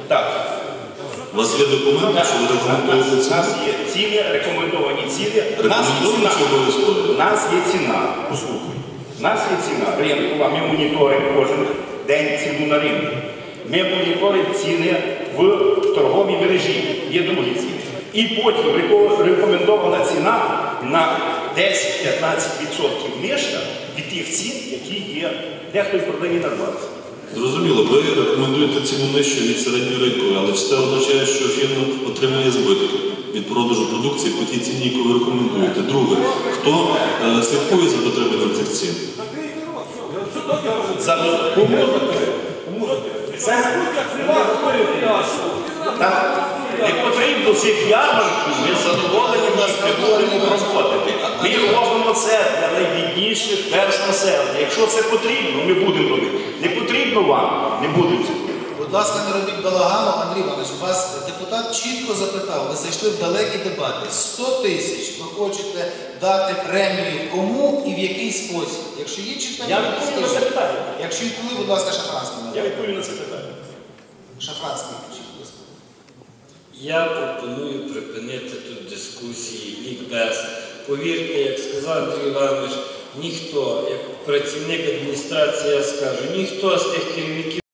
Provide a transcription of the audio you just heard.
Так. У вас є документи, що ви рекомендуєте ціну? У нас є ціни, рекомендовані ціни. Рекомендовані чи обов'язково? У нас є ціна, послухай. У нас є ціна ринкова, ми моніторимо кожен день ціну на ринку. Ми моніторимо ціни в торговій мережі, є другі ціни. І потім рекомендована ціна на 10-15% нижча від тих цін, які є, дехто продає на 20%. Зрозуміло, ви рекомендуєте ціну нижчу від середньої ринкової, але чи це означає, що фірма отримує збиток від продажу продукції по тій ціні, яку ви рекомендуєте? Друге, хто слідкує за дотриманням цих цін? Не потрібно цих ярмарків, ми задоволені, нас не будемо проводити. Ми робимо це для найбідніших верств населення. Якщо це потрібно, ми будемо робити. Не потрібно вам, не будемо. Будь ласка, не робіть балагану, Андрій Іванович. Вас депутат чітко запитав, ви зайшли в далекі дебати. 100 тисяч ви хочете дати премію кому і в який спосіб? Якщо є чітко, Я відповім на це питання. Якщо відповіли, будь ласка, Шафранський. Я відповім на це питання. Шафранський, включіть, будь ласка. Я пропоную припинити тут дискусії, лікбез. Повірте, як сказав Андрій Іванович, ніхто, як працівник адміністрації, я скажу, ніхто з тих керівників